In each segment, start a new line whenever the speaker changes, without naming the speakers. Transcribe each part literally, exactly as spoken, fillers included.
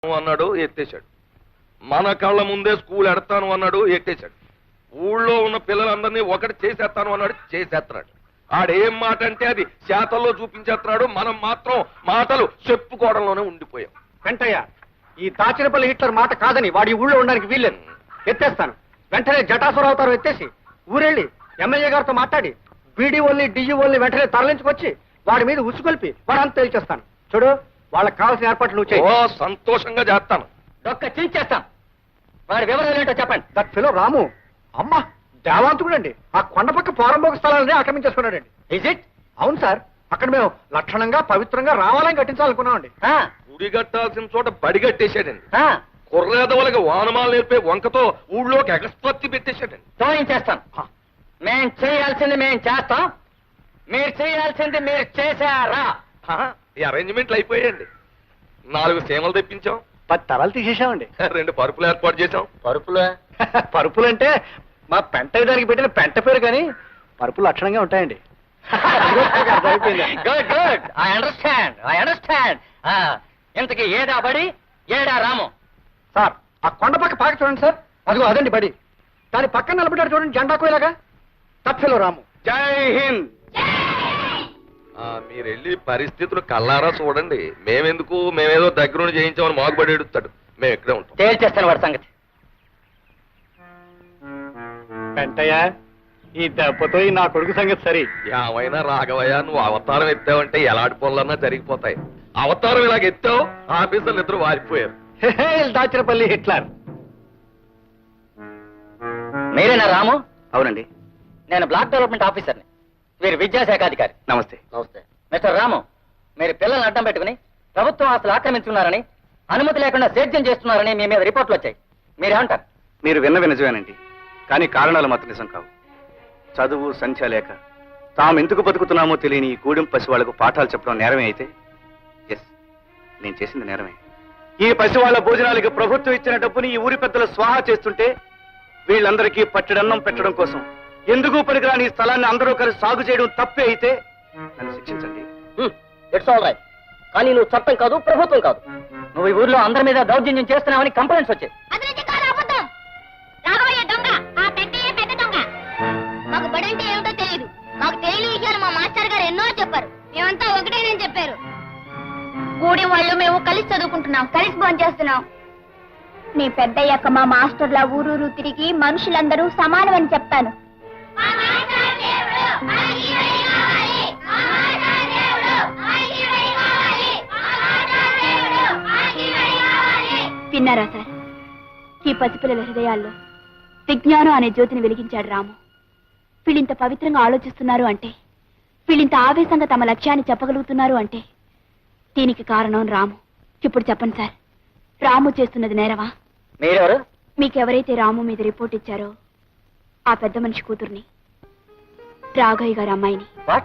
అన్నాడు ఎత్తేశాడు. మన కళ్ళ ముందే స్కూల్ ఎడతాను అన్నాడు ఎత్తేశాడు. ఊళ్ళో ఉన్న పిల్లలందరినీ ఒకటి చేసేస్తాను అన్నాడు చేసేస్తున్నాడు. ఆడేం మాట అంటే అది శాతల్లో చూపించేస్తున్నాడు. మనం మాత్రం మాటలు చెప్పుకోవడంలోనే ఉండిపోయాం.
వెంటయ్య, ఈ దాచినపల్లి హిట్లర్ మాట కాదని వాడి ఊళ్ళో ఉండడానికి వీల్లేదు. ఎత్తేస్తాను. వెంటనే జటాసుర అవతారం ఎత్తేసి ఊరెళ్ళి ఎమ్మెల్యే గారితో మాట్లాడి బీడీఓల్ని డిఈఓల్ని వెంటనే తరలించుకొచ్చి వాడి మీద ఉసుకొల్పి వాడంతా తేల్చేస్తాను. చూడు, వాళ్ళకి కావాల్సిన ఏర్పాట్లు నువ్వు చేయి.
ఓ సంతోషంగా చేస్తాను.
ఒక్క చేస్తాం. వాడి వివరాలు ఏంటో చెప్పండి. దట్ ఫెలో రాము అమ్మా దేవాంతుడండి. ఆ కొండపక్క పోరంబోక స్థలాలని ఆక్రమించేసుకున్నాడండి. Is it? అవును సార్. అక్కడ మేము లక్షణంగా పవిత్రంగా రావాలని కట్టించాలనుకున్నామండి.
గుడి కట్టాల్సిన చోట బడి కట్టేశాడండి. కుర్రేదవులకి వానమాలు నేర్పే వంకతో ఊళ్ళోకి ఎగస్పత్తి పెట్టేశాడండి.
తోయించేస్తాం. మేం చేయాల్సింది మేం చేస్తాం. మీరు చేయాల్సింది మీరు చేశారా?
ఈ అరేంజ్మెంట్లు అయిపోయాయండి. నాలుగు సీమలు తెప్పించాం,
పది తలలు తీసేసామండి,
రెండు పరుపులు ఏర్పాటు చేశాం.
పరుపులు పరుపులు అంటే మా పెంట దానికి పెట్టిన పెంట పేరు, కానీ పరుపులు లక్షణంగా ఉంటాయండి. Good good I understand I understand. ఇంతకి ఏడా బడి, ఏడా రాము? సార్, ఆ కొండ పక్క పాక చూడండి సార్. అదిగో అదండి బడి. దాని పక్కన నిలబడ్డాడు చూడండి జెండాకు ఇలాగా. తప్పిలో రాము. జై హింద్.
మీరు వెళ్ళి పరిస్థితులు కల్లారా చూడండి. మేమెందుకు, మేమేదో దగ్గరుండి చేయించామని మాగుబడి ఎడుతాడు. మేము ఇక్కడే ఉంటాం.
తేల్చేస్తాను వాడి సంగతి. వెంటయ్య, ఈ దెబ్బతో నా కొడుకు సంగతి సరి.
ఏమైనా రాఘవయ్య, నువ్వు అవతారం ఎత్తావంటే ఎలాంటి పనులన్నా జరిగిపోతాయి. అవతారం ఇలాగ ఎత్తావు, ఆఫీసర్లు ఇద్దరు వారిపోయారు.
దాచినపల్లి హిట్లర్. మీరేనా రాము? అవునండి, నేను బ్లాక్ డెవలప్మెంట్ ఆఫీసర్ని. వీరు విద్యాశాఖ అధికారి. నమస్తే. నమస్తే మిస్టర్ రాము, మీరు పిల్లల్ని అడ్డం పెట్టుకుని ప్రభుత్వం ఆస్తులు ఆక్రమించుకున్నారని, అనుమతి లేకుండా సేద్యం చేస్తున్నారని మీ మీద రిపోర్ట్లు వచ్చాయి. మీరేమంటారు?
మీరు విన్న నిజమేనండి, కానీ కారణాలు మాత్రం నిజం కావు. చదువు సంఖ్య లేక తాము ఎందుకు బతుకుతున్నామో తెలియని ఈ గూడెం పసి వాళ్లకు పాఠాలు చెప్పడం నేరమే అయితే, ఎస్, నేను చేసింది నేరమే. ఈ పసి వాళ్ల భోజనాలకి ప్రభుత్వం ఇచ్చిన డబ్బుని ఈ ఊరి పెద్దలు స్వాహా చేస్తుంటే వీళ్ళందరికీ పట్టెడన్నం పెట్టడం కోసం ఎందుకు పనికిరాని ఈ స్థలాన్ని అందరూ కలిసి సాగు చేయడం తప్పే అయితే నన్ను శిక్షించండి.
It's all right. కానీ నువ్వు చట్టం కాదు, ప్రభుత్వం కాదు. నువ్వు ఈ ఊర్లో అందరి మీద దౌర్జన్యం చేస్తున్నావని కంప్లైంట్స్ వచ్చాయి.
మాకు బడంటే ఏమిటో తెలియదు. మాకు తెలియని విషయాలు మా మాస్టర్ గారు ఎన్నో చెప్పారు. మేమంతా ఒకటేనని చెప్పారు. కూడి వాళ్ళు మేము కలిసి చదువుకుంటున్నాం, కలిసి భోజనం చేస్తున్నాం. నీ పెద్దయ్యాక మా మాస్టర్ల ఊరూరు తిరిగి మనుషులందరూ సమానమని చెప్తాను. విన్నారా సార్? ఈ పసిపిల్లల హృదయాల్లో విజ్ఞానం అనే జ్యోతిని వెలిగించాడు రాము. వీళ్ళింత పవిత్రంగా ఆలోచిస్తున్నారు అంటే, వీళ్ళింత ఆవేశంగా తమ లక్ష్యాన్ని చెప్పగలుగుతున్నారు అంటే దీనికి కారణం రాము. ఇప్పుడు చెప్పండి సార్, రాము చేస్తున్నది నేరవా?
మీరెవరు?
మీకెవరైతే రాము మీద రిపోర్ట్ ఇచ్చారో ఆ పెద్ద మనిషి కూతుర్ని, రాఘయ్య గారి అమ్మాయిని.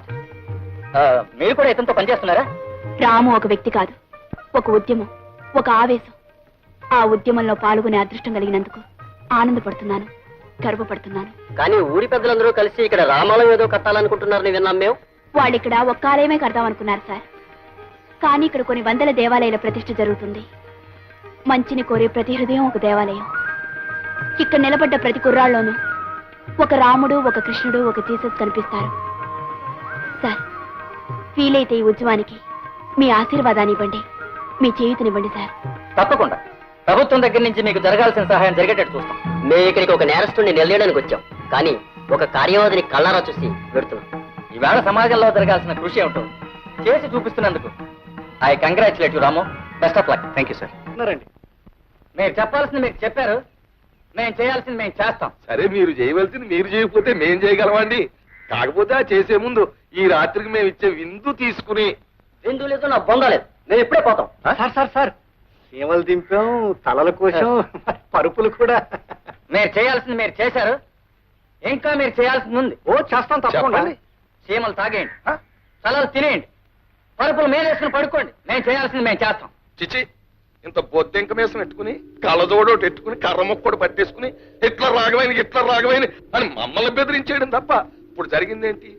మీరు కూడా ఇతనితో పనిచేస్తున్నారా?
రాము ఒక వ్యక్తి కాదు, ఒక ఉద్యమం, ఒక ఆవేశం. ఆ ఉద్యమంలో పాల్గొనే అదృష్టం కలిగినందుకు ఆనందపడుతున్నాను, గర్వపడుతున్నాను.
కానీ ఊరి పెద్దలందరూ కలిసి ఇక్కడ రామాలయం ఏదో కట్టాలనుకుంటున్నారని విన్నాం మేము.
వాళ్ళు ఇక్కడ ఒక్క ఆలయమే కడదామనుకున్నారు సార్. కానీ ఇక్కడ కొన్ని వందల దేవాలయాల ప్రతిష్ఠ జరుగుతుంది. మంచిని కోరే ప్రతి హృదయం ఒక దేవాలయం. ఇక్కడ నిలబడ్డ ప్రతి కుర్రాళ్ళలోనూ ఒక రాముడు, ఒక కృష్ణుడు, ఒక జీసస్ కనిపిస్తారు. సార్, వీలైతే ఈ ఉద్యమానికి మీ ఆశీర్వాదాన్ని ఇవ్వండి, మీ చేయూతనివ్వండి సార్.
తప్పకుండా ప్రభుత్వం దగ్గర నుంచి మీకు జరగాల్సిన సహాయం జరిగేటట్టు చూస్తాం. మేము ఇక్కడికి ఒక నేరస్తుడిని నిలయడానికి వచ్చాం, కానీ ఒక కార్యవాదిని కళ్ళారా చూసి పెడుతున్నాం. ఈవేళ సమాజంలో జరగాల్సిన కృషి ఏమిటో చేసి చూపిస్తున్నందుకు I congratulate you Ramu. Best of luck.
Thank you sir.
మీరు చెప్పాల్సింది మీరు చెప్పారు, మేము చేయాల్సింది మేము చేస్తాం.
సరే, మీరు చేయవలసింది మీరు చేయకపోతే మేం చేయగలమండి. కాకపోతే ఆ చేసే ముందు ఈ రాత్రికి మేము ఇచ్చే విందు తీసుకుని.
విందు లేదు, నా బొంద లేదు, నేను ఎప్పుడే పోతాం.
సార్ సార్ సార్ సీమలు దింపాం, తలల కోసం పరుపులు కూడా.
మీరు చేయాల్సింది మీరు చేశారు, ఇంకా మీరు చేయాల్సింది ఉంది.
ఓ చేస్తాం తప్పకుండా.
సీమలు తాగేయండి, తలలు తినేయండి, పరుపులు మేలేసుకుని పడుకోండి. మేము చేయాల్సింది మేము చేస్తాం.
చిచి, ఇంత బొద్దెంక మేసం పెట్టుకుని కళ్ళజోడోటి పెట్టుకుని కర్ర మొక్కడు పట్టేసుకుని ఇట్లా రాగవైన ఇట్లా రాగవైన అని మమ్మల్ని బెదిరించేయడం తప్ప ఇప్పుడు జరిగిందేంటి?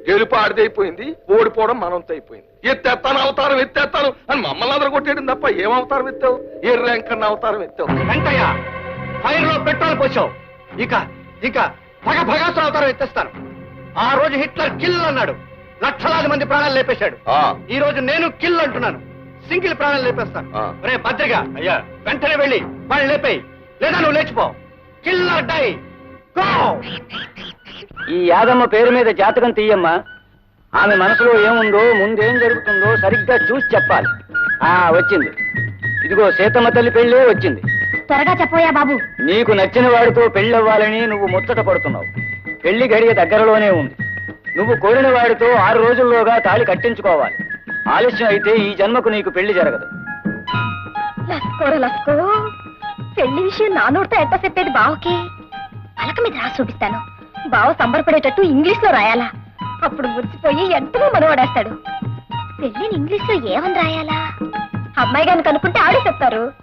గెలుపు ఆడిది అయిపోయింది, ఓడిపోవడం మనంతో అయిపోయింది. ఎత్తేస్తాను అవతారం ఎత్తేస్తాను అని మమ్మల్ని అందరూ కొట్టేయడం తప్ప ఏం అవతారం ఎత్తావు? ఏ ర్యాంక్ అన్న అవతారం ఎత్తావు?
వెంకయ్య ఫైర్ లో పెట్రోల్ పోసావు. ఇక ఇక భగ భగాసుర అవతారం ఎత్తేస్తాను. ఆ రోజు హిట్లర్ కిల్ అన్నాడు, లక్షలాది మంది ప్రాణాలు లేపేశాడు.
ఆ,
ఈ రోజు నేను కిల్ అంటున్నాను, సింగిల్ ప్రాణాలు లేపేస్తాను.
ఆ.
రే భద్రగా అయ్యా, వెంటనే వెళ్ళి వాళ్ళు లేపేయి, లేదా నువ్వు లేచిపో. Killer die go.
ఈ యాదమ్మ పేరు మీద జాతకం తీయమ్మా. ఆమె మనసులో ఏముందో, ముందేం జరుగుతుందో సరిగ్గా చూసి చెప్పాలి. ఆ వచ్చింది, ఇదిగో సీతమ్మ తల్లి పెళ్ళే వచ్చింది.
త్వరగా చెప్పోయా బాబు.
నీకు నచ్చిన వాడితో పెళ్ళవ్వాలని నువ్వు ముచ్చట పడుతున్నావు. పెళ్లి గడియ దగ్గరలోనే ఉంది. నువ్వు కోరిన వాడితో ఆరు రోజుల్లోగా తాళి కట్టించుకోవాలి. ఆలస్యం అయితే ఈ జన్మకు నీకు పెళ్లి జరగదు.
లస్కోరా లస్కో, పెళ్లి విషయం నా నోటితో ఎట్ట చెప్పేది బావకి? పలక మీద రాసి చూపిస్తాను. బావ సంబరపడేటట్టు ఇంగ్లీష్ లో రాయాలా? అప్పుడు మురిసిపోయి ఎంతగా మనవాడేస్తాడు. పెళ్లిని ఇంగ్లీష్ లో ఏమని రాయాలా? అమ్మాయి గారిని కనుక్కుంటే ఆడే చెప్తారు.